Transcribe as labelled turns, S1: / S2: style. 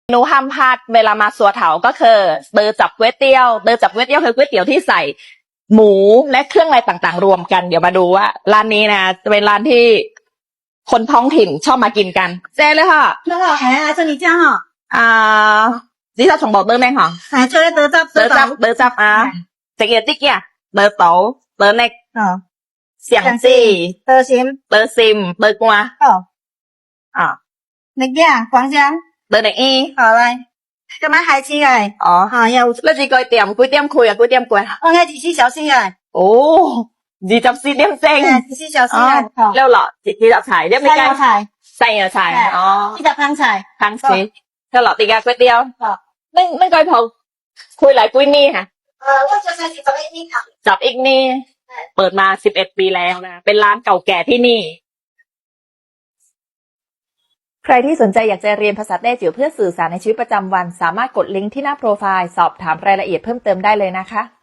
S1: เมนูห้ามพลาดเวลามาสัวเถาก็คือเตอจับก๋วยเตี๋ยวเตอจับก๋วยเตี๋ยวคือก๋วยเตี๋ยวที่ใส่หมูและเครื่องอะไรต่างๆรวมกันเดี๋ยวมาดูว่าร้านนี้นะจะเป็นร้านที่คนท้องถิ่นชอบมากินกันเจ๊เลยค่ะ
S2: 那个海啊，这里酱啊，
S1: นี่เราส่งบอกเตอร์แม่ค่ะ
S2: 海出来得到
S1: เตอจับจะเกียรติ๊กเนี่ยเตอโตเตอเน็กเสียงซี่
S2: 得行
S1: เตอซิมเตอกัว
S2: 那个黄姜，
S1: เตอเน็กอี
S2: 好嘞，干嘛海鸡哎？好呀，
S1: แล้วจีก๋วยเตี๋ยวก๋วยเตี๋ยวคุยก๋วยเตี๋ยวกวย
S2: 我爱几小心哎，
S1: โอ้จีจับซีเดียมเซ็ง
S2: 几小心哎，好，
S1: แล้วเหรอจีจับฉายเรียบไม่ใกล้
S2: 菜，
S1: ใส่เหรอฉาย
S2: 一打汤菜，
S1: ทั้งซีแล้วเหรอตีกาก๋วยเตี๋ยวไม่ก้อยพอคุยหลายกุ้ยนี่ค่ะ
S2: 我就是找一米汤，
S1: จับอีกนี่เปิดมา11 ปีแล้วนะเป็นร้านเก่าแก่ที่นี่ใครที่สนใจอยากจะเรียนภาษาแต้จิ๋วเพื่อสื่อสารในชีวิตประจำวันสามารถกดลิงก์ที่หน้าโปรไฟล์สอบถามรายละเอียดเพิ่มเติมได้เลยนะคะ